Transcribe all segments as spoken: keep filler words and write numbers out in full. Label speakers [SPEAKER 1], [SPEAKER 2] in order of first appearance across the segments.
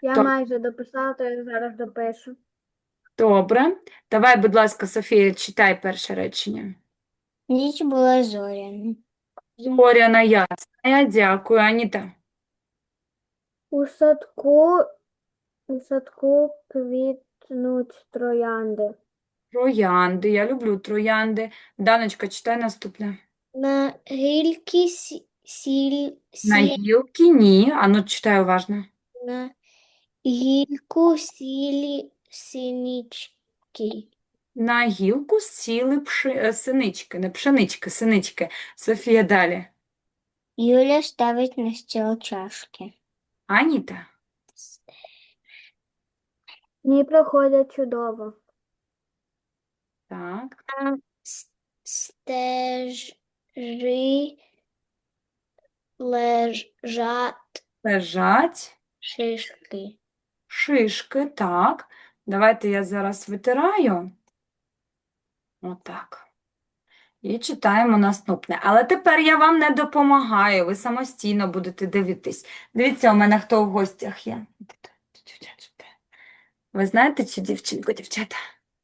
[SPEAKER 1] Я
[SPEAKER 2] То
[SPEAKER 1] майже дописала, то я зараз допишу.
[SPEAKER 2] добре. Давай, будь ласка, Софія, читай перше речення.
[SPEAKER 3] Ніч була зоряна.
[SPEAKER 2] Зоряна ясна. Дякую, Аніта.
[SPEAKER 1] У садку, у садку квітнуть троянди.
[SPEAKER 2] Троянди. Я люблю троянди. Даночка, читай наступне.
[SPEAKER 3] На гільки сі, сіль,
[SPEAKER 2] На
[SPEAKER 3] сі,
[SPEAKER 2] гілки ні. Ану, читай уважно.
[SPEAKER 3] на гільку сілі синички.
[SPEAKER 2] На гілку сіли пши... е, синички, не пшенички, синички. Софія, далі.
[SPEAKER 3] Юля ставить на стіл чашки.
[SPEAKER 2] Аніта.
[SPEAKER 1] Дні проходять чудово.
[SPEAKER 2] Так.
[SPEAKER 3] На с- стежі лежать
[SPEAKER 2] Лежать.
[SPEAKER 3] шишки.
[SPEAKER 2] Шишки, так. Давайте я зараз витираю. Отак. І читаємо наступне. Але тепер я вам не допомагаю, ви самостійно будете дивитись. Дивіться, у мене хто в гостях є. Ви знаєте цю дівчинку, дівчата?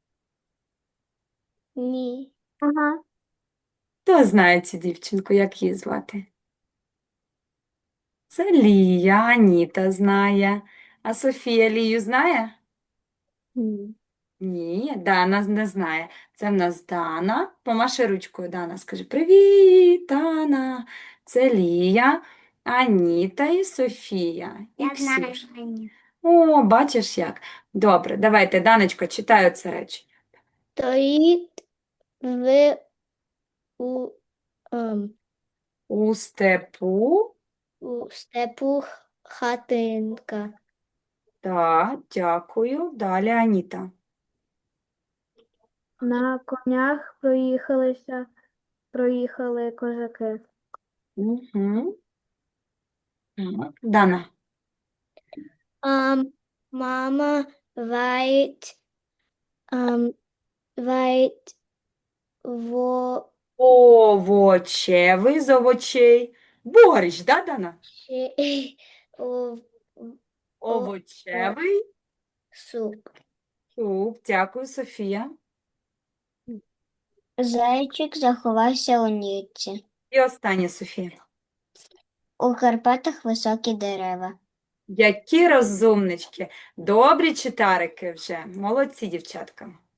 [SPEAKER 3] Ні.
[SPEAKER 1] Ага.
[SPEAKER 2] Хто знає цю дівчинку, як її звати? Це Лія, Аніта знає. А Софія Лію знає?
[SPEAKER 3] Ні.
[SPEAKER 2] Ні, Дана не знає. Це в нас Дана. Помаши ручкою, Дана. Скажи привіт, Дана. Це Лія, Аніта і Софія. І Ксюша. О, бачиш як. Добре, давайте, Даночко, читаю це речення.
[SPEAKER 3] Стоїть в у, ем,
[SPEAKER 2] У степу.
[SPEAKER 3] у степу хатинка.
[SPEAKER 2] Так, дякую. Далі Аніта.
[SPEAKER 1] На конях проїхалися, проїхали козаки.
[SPEAKER 2] Угу. Так, Дана.
[SPEAKER 3] Ам, мама варить, ам, варить во,
[SPEAKER 2] Овочевий з овочей. Борщ, да, Дана?
[SPEAKER 3] о, о,
[SPEAKER 2] Овочевий
[SPEAKER 3] суп.
[SPEAKER 2] суп. Дякую, Софія.
[SPEAKER 3] Зайчик заховався у нірці.
[SPEAKER 2] І останнє, Софія.
[SPEAKER 3] У Карпатах високі дерева.
[SPEAKER 2] Які розумнички. Добрі читарики вже. Молодці, дівчатка.